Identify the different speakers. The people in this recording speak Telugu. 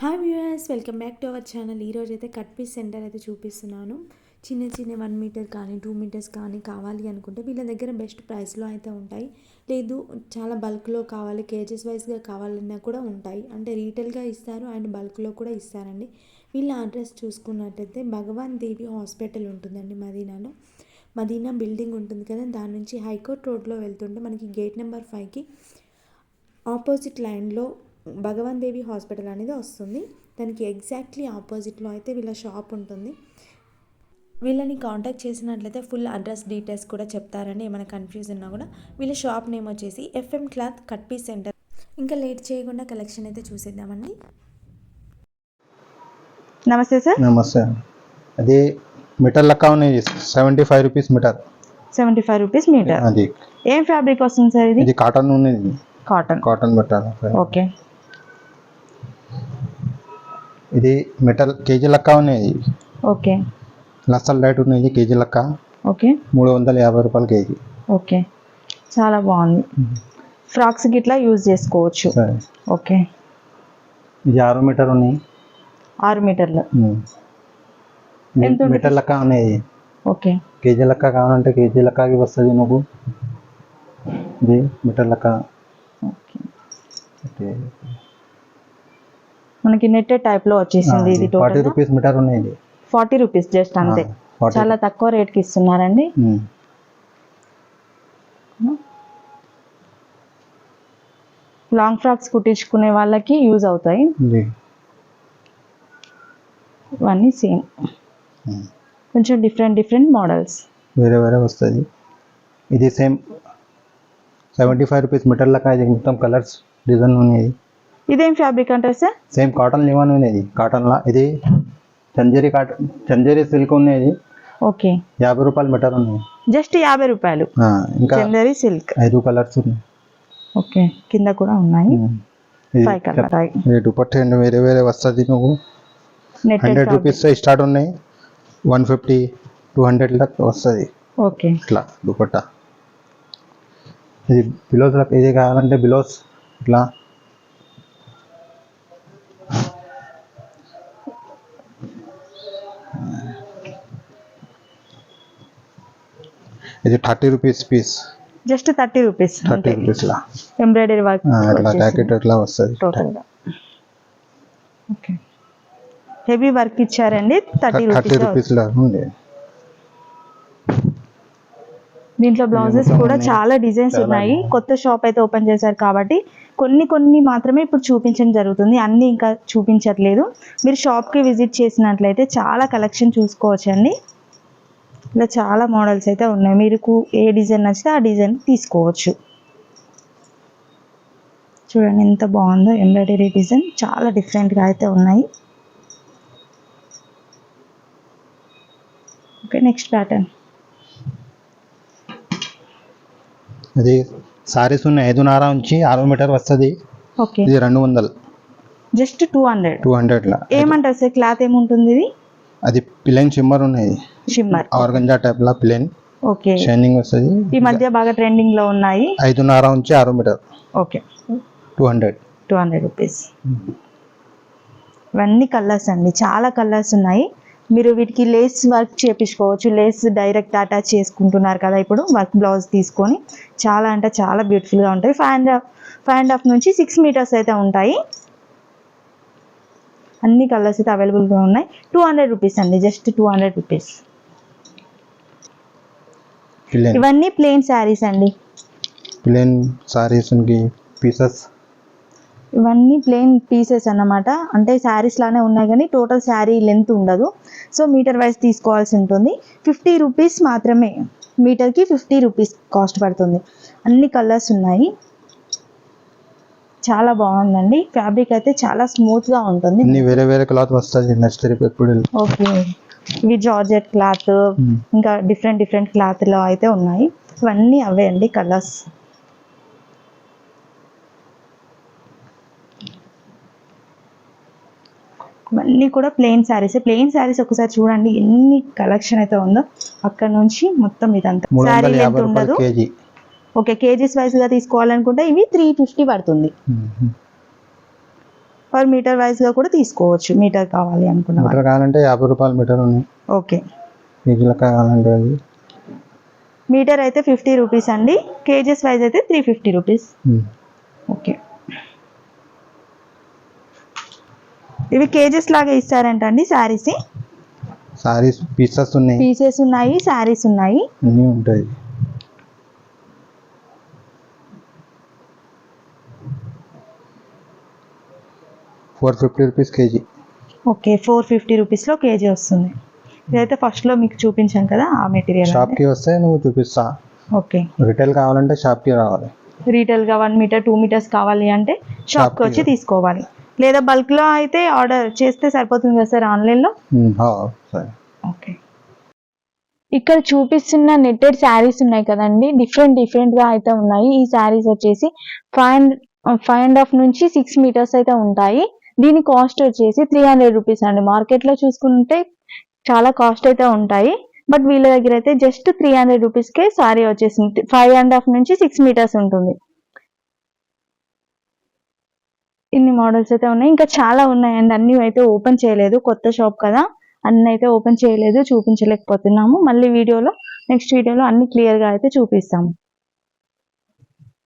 Speaker 1: Hi viewers, welcome back to our channel. ఈరోజు అయితే కట్ పీస్ సెంటర్ అయితే చూపిస్తున్నాను. చిన్న 1 మీటర్ కానీ 2 మీటర్స్ కానీ కావాలి అనుకుంటే వీళ్ళ దగ్గర బెస్ట్ ప్రైస్లో అయితే ఉంటాయి. లేదు చాలా బల్క్లో కావాలి, కేజెస్ వైజ్గా కావాలన్నా కూడా ఉంటాయి. అంటే రీటైల్గా ఇస్తారు అండ్ బల్క్లో కూడా ఇస్తారండి. వీళ్ళ అడ్రస్ చూసుకున్నట్టయితే భగవాన్ దేవి హాస్పిటల్ ఉంటుందండి మదీనాలో. మదీనా బిల్డింగ్ ఉంటుంది కదా, దాని నుంచి హైకోర్ట్ రోడ్లో వెళ్తుంటే మనకి గేట్ నెంబర్ 5కి ఆపోజిట్ లైన్లో భగవాన్ దేవి హాస్పిటల్ అనేది వస్తుంది. దానికి ఎగ్జాక్ట్లీ ఆపోజిట్లో అయితే వీళ్ళ షాప్ ఉంటుంది. వీళ్ళని కాంటాక్ట్ చేసినట్లయితే ఫుల్ అడ్రస్ డీటెయిల్స్ కూడా చెప్తారండి. ఏమైనా కన్ఫ్యూజ్ ఉన్నా కూడా. వీళ్ళ షాప్ నేమ్ వచ్చేసి FM cloth cut piece centre. ఇంకా లేట్ చేయకుండా కలెక్షన్ అయితే చూసేద్దామండి.
Speaker 2: నమస్తే సార్.
Speaker 3: నమస్తే. అది మీటర్ లెక్క ఉన్నాయి, 75 రూపీస్ మీటర్.
Speaker 2: 75 rupees metre.
Speaker 3: అది
Speaker 2: ఏం ఫ్యాబ్రిక్ వస్తుంది సార్? ఇది
Speaker 3: కాటన్ ఉన్నది. Cotton metre.
Speaker 2: ఓకే.
Speaker 3: ఇది మీటర్ కేజీ లెక్క ఉన్నాయి.
Speaker 2: ఓకే.
Speaker 3: లసల్ రేట్ ఉన్నది కేజీ లెక్క.
Speaker 2: ఓకే.
Speaker 3: 350 రూపాయలు కేజీ.
Speaker 2: ఓకే, చాలా బాగుంది. ఫ్రాక్స్ గిట్లా యూజ్ చేసుకోవచ్చు. ఓకే.
Speaker 3: ఇది 6 మీటర్ ఉన్నాయి.
Speaker 2: 6 మీటర్లు.
Speaker 3: మీటర్ లెక్క ఉన్నాయి.
Speaker 2: ఓకే.
Speaker 3: కేజీ లెక్క కావాలంటే కేజీ లెక్కకి వస్తుంది నువ్వు. ఇది మీటర్ లెక్క.
Speaker 2: ఓకే. మనకి నెట్టెడ్ టైప్ లో వచ్చేసింది. ఇది
Speaker 3: 40 రూపీస్ మీటర్ ఉన్నాయి.
Speaker 2: 40 రూపీస్ జస్ట్ అంతే. చాలా తక్కువ రేట్ కి ఇస్తున్నారండి. లాంగ్ ఫ్రాక్స్ కుట్టించుకునే వాళ్ళకి యూజ్ అవుతాయి. ఇవన్నీ సేమ్, కొంచెం డిఫరెంట్ మోడల్స్
Speaker 3: వేరే వస్తుంది. ఇది సేమ్ 75 రూపీస్ మీటర్ లెక్క. ఇది మొత్తం కలర్స్ డిజైన్ ఉన్నాయి.
Speaker 2: ఇదేం ఫ్యాబ్రిక్ అంటారు సార్?
Speaker 3: సేమ్ కాటన్ లివన్ ఉన్నది. కాటన్ లా ఇది చందేరి సిల్క్ ఉన్నది.
Speaker 2: ఓకే.
Speaker 3: 50 రూపాయలు మీటర్ ఉన్నాయి.
Speaker 2: జస్ట్ 50 రూపాయలు.
Speaker 3: ఇంకా
Speaker 2: చందేరి సిల్క్
Speaker 3: 5 కలర్స్ ఉన్నాయి.
Speaker 2: ఓకే, కింద కూడా ఉన్నాయి. 5 కలర్.
Speaker 3: దుపట్టా వేరే వస్తుంది. నువ్వు 100 రూపీస్ స్టార్ట్ ఉన్నాయి. 150 200 దాకా వస్తుంది.
Speaker 2: ఓకే.
Speaker 3: ఇట్లా దుపట్టా. ఇది బిలోస్ ఇది కావాలంటే బిలోస్ ఇట్లా. ఇది 30 rupees piece.
Speaker 2: Just 30 rupees.
Speaker 3: 30 rupees లా
Speaker 2: ఎంబ్రాయిడరీ వర్క్
Speaker 3: అట్లా జాకెట్ అట్లా వస్తుంది
Speaker 2: టోటల్ గా. ఓకే. హెవీ వర్క్ ఇచ్చారండి. 30 రూపీస్
Speaker 3: లా ఉంది.
Speaker 2: దీంట్లో బ్లౌజెస్ కూడా చాలా డిజైన్స్ ఉన్నాయి. కొత్త షాప్ అయితే ఓపెన్ చేశారు కాబట్టి కొన్ని మాత్రమే ఇప్పుడు చూపించడం జరుగుతుంది. అన్నీ ఇంకా చూపించట్లేదు. మీరు షాప్కి విజిట్ చేసినట్లయితే చాలా కలెక్షన్ చూసుకోవచ్చండి. ఇలా చాలా మోడల్స్ అయితే ఉన్నాయి. మీకు ఏ డిజైన్ నచ్చితే ఆ డిజైన్ తీసుకోవచ్చు. చూడండి ఎంత బాగుందో ఎంబ్రాయిడరీ డిజైన్. చాలా డిఫరెంట్గా అయితే ఉన్నాయి. Okay, next pattern.
Speaker 3: ఇది సారీస్ ఉన్నాయి. 5.5 నుంచి 6 మీటర్ వస్తుంది.
Speaker 2: ఓకే.
Speaker 3: ఇది 200.
Speaker 2: జస్ట్ 200
Speaker 3: లా.
Speaker 2: ఏమంటారు సార్ క్లాత్ ఏముంటుంది ఇది?
Speaker 3: అది ప్లెయిన్ షిమ్మర్ ఉన్నాయి.
Speaker 2: షిమ్మర్
Speaker 3: ఆర్గంజా టైప్ లా ప్లెయిన్.
Speaker 2: ఓకే.
Speaker 3: షైనింగ్ వస్తుంది.
Speaker 2: ఈ మధ్య బాగా ట్రెండింగ్ లో ఉన్నాయి.
Speaker 3: 5.5 నుంచి 6 మీటర్.
Speaker 2: ఓకే.
Speaker 3: 200
Speaker 2: రూపీస్. ఇవన్నీ కలర్స్ అండి, చాలా కలర్స్ ఉన్నాయి. మీరు వీటికి లేస్ వర్క్ చేపించుకోవచ్చు. లేస్ డైరెక్ట్ అటాచ్ చేసుకుంటున్నారు కదా ఇప్పుడు, వర్క్ బ్లౌజ్ తీసుకొని చాలా అంటే చాలా బ్యూటిఫుల్గా ఉంటాయి. 5.5 నుంచి 6 మీటర్స్ అయితే ఉంటాయి. అన్ని కలర్స్ అయితే అవైలబుల్గా ఉన్నాయి. 200 రూపీస్ అండి, జస్ట్ 200 రూపీస్. ఇవన్నీ ప్లెయిన్ శారీస్ అండి.
Speaker 3: Plain saris pieces.
Speaker 2: ఇవన్నీ ప్లెయిన్ పీసెస్ అన్నమాట. అంటే శారీస్ లానే ఉన్నాయి కానీ టోటల్ శారీ లెంత్ ఉండదు. సో మీటర్ వైజ్ తీసుకోవాల్సి ఉంటుంది. 50 రూపీస్ మాత్రమే మీటర్కి. 50 రూపీస్ కాస్ట్ పడుతుంది. అన్ని కలర్స్ ఉన్నాయి. చాలా బాగుందండి. ఫ్యాబ్రిక్ అయితే చాలా స్మూత్ గా ఉంటుంది.
Speaker 3: వేరే క్లాత్ వస్తుంది.
Speaker 2: ఓకే. ఇవి జార్జెట్ క్లాత్, ఇంకా డిఫరెంట్ క్లాత్ లో అయితే ఉన్నాయి. ఇవన్నీ అవే అండి కలర్స్. ఇవన్నీ కూడా ప్లెయిన్ శారీస్. ఒకసారి చూడండి ఎన్ని కలెక్షన్ అయితే ఉందో. అక్కడ నుంచి మొత్తం ఇదంతా శారీ లెంత్ ఉండదు. ఓకే, కేజీస్ వైజ్ గా తీసుకోవాలనుకుంటే ఇవి 350 పడుతుంది. పర్ మీటర్ వైజ్గా కూడా తీసుకోవచ్చు, మీటర్ కావాలి అనుకున్న వాళ్ళు.
Speaker 3: మీటర్ కావాలంటే 50 రూపాయలు మీటర్ ఉన్నాయి.
Speaker 2: ఓకే,
Speaker 3: కేజీలకు కావాలంటే అది
Speaker 2: మీటర్ అయితే 50 రూపీస్ అండి, కేజెస్ వైజ్ అయితే 350 రూపీస్. ఓకే, ఇవి కేజెస్ లాగా ఇస్తారంట అండి శారీస్?
Speaker 3: సారీస్ పీసెస్ ఉన్నాయి,
Speaker 2: పీసెస్ ఉన్నాయి, శారీస్ ఉన్నాయి,
Speaker 3: అన్నీ ఉంటాయి. ₹450 కేజీ.
Speaker 2: ఓకే, 450 రూపీస్లో కేజీ వస్తుంది. ఇదైతే ఫస్ట్లో మీకు చూపించాను కదా ఆ మెటీరియల్.
Speaker 3: షాప్కి వస్తే నువ్వు చూపిస్తా.
Speaker 2: ఓకే,
Speaker 3: రిటైల్ కావాలంటే షాప్కి రావాలి.
Speaker 2: రీటైల్గా 1 మీటర్ 2 మీటర్స్ కావాలి అంటే షాప్కి వచ్చి తీసుకోవాలి, లేదా బల్క్లో అయితే ఆర్డర్ చేస్తే సరిపోతుంది కదా సార్ ఆన్లైన్లో?
Speaker 3: సరే.
Speaker 2: ఓకే, ఇక్కడ చూపిస్తున్న నెట్టెడ్ శారీస్ ఉన్నాయి కదండి, డిఫరెంట్గా అయితే ఉన్నాయి. ఈ శారీస్ వచ్చేసి 5.5 నుంచి 6 మీటర్స్ అయితే ఉంటాయి. దీని కాస్ట్ వచ్చేసి 300 రూపీస్ అండి. మార్కెట్లో చూసుకుంటే చాలా కాస్ట్ అయితే ఉంటాయి, బట్ వీళ్ళ దగ్గర అయితే జస్ట్ 300 రూపీస్కే శారీ వచ్చేసింది. 5.5 నుంచి 6 మీటర్స్ ఉంటుంది. ఇన్ని మోడల్స్ అయితే ఉన్నాయి, ఇంకా చాలా ఉన్నాయండి. అన్ని అయితే ఓపెన్ చేయలేదు, కొత్త షాప్ కదా, అన్ని అయితే ఓపెన్ చేయలేదు, చూపించలేకపోతున్నాము. మళ్ళీ నెక్స్ట్ వీడియోలో అన్ని క్లియర్గా అయితే చూపిస్తాము.